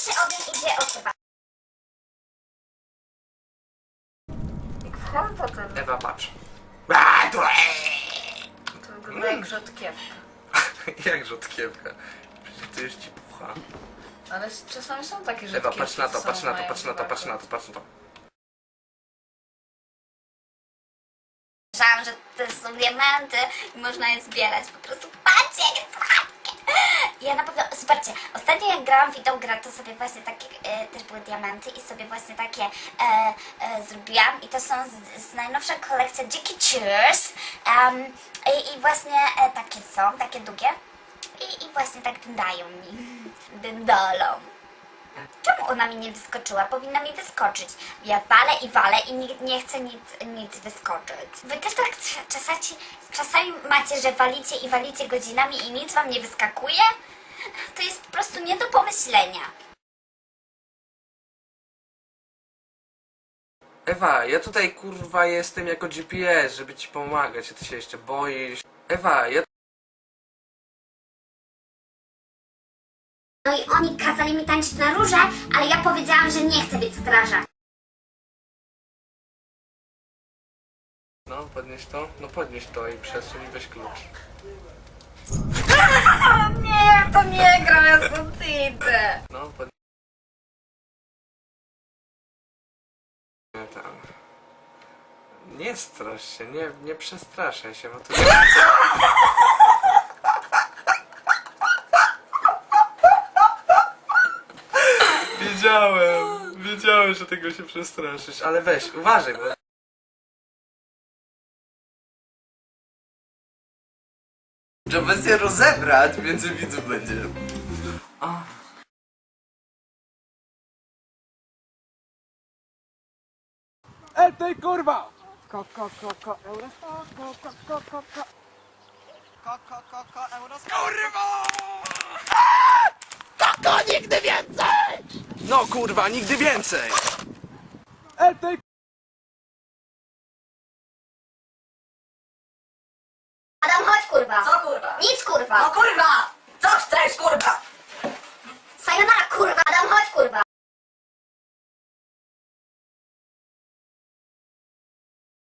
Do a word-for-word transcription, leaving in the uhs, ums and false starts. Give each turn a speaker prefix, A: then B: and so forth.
A: Pierwszy ogień idzie od Ewa.
B: Jak wchłam potem,
C: Ewa, patrz.
B: to wygląda jak rzodkiewka.
C: Jak rzodkiewka? Przecież to już ci pucha.
B: Ale czasami są takie
C: Ewa,
B: rzodkiewki,
C: patrz na to,
B: co
C: patrz na to,
B: mają
C: patrz na to,
B: chyba
C: patrz na to, patrz na to.
A: Myślałam, że to są diamenty i można je zbierać. Po prostu patrzcie, jakie słodkie. Ja na pewno, zobaczcie, ostatnio jak grałam w tą grę, to sobie właśnie takie, e, też były diamenty i sobie właśnie takie e, e, zrobiłam. I to są z, z najnowsza kolekcja Jackie Cheers. Um, i, I właśnie e, takie są, takie długie. I, I właśnie tak dędają mi. Dędolą. Czemu ona mi nie wyskoczyła? Powinna mi wyskoczyć. Ja walę i walę i nie, nie chcę nic, nic wyskoczyć. Wy też tak czasami, czasami macie, że walicie i walicie godzinami i nic wam nie wyskakuje? To jest po prostu nie do pomyślenia.
C: Ewa, ja tutaj kurwa jestem jako G P S, żeby ci pomagać, a ty się jeszcze boisz. Ewa, ja...
A: No i oni kazali mi tańczyć na róże, ale ja powiedziałam, że nie chcę być strażak.
C: No, podnieś to, no podnieś to i przesuń i weź klucz.
B: Nie, to nie gra, ja stąd idę.
C: No, podnieś... Nie, tam... Nie strasz się, nie, nie przestraszaj się, bo to... Wiedziałem, wiedziałem, że tego się przestraszysz, ale weź, uważaj, bo...
D: Trzeba się rozebrać, między widzów będzie.
C: O.
E: Ej, ty kurwa! Ko, ko, ko, ko, euro, ko, ko, ko, ko, ko, ko. Ko, ko, ko, ko, euro, kurwa! Koko, nigdy więcej!
C: No kurwa, nigdy więcej!
E: Ej, ty
A: Adam, chodź kurwa.
B: Co kurwa?
A: Nic kurwa.
B: No kurwa! Co chcesz kurwa?
A: Sayonara kurwa. Adam, chodź kurwa.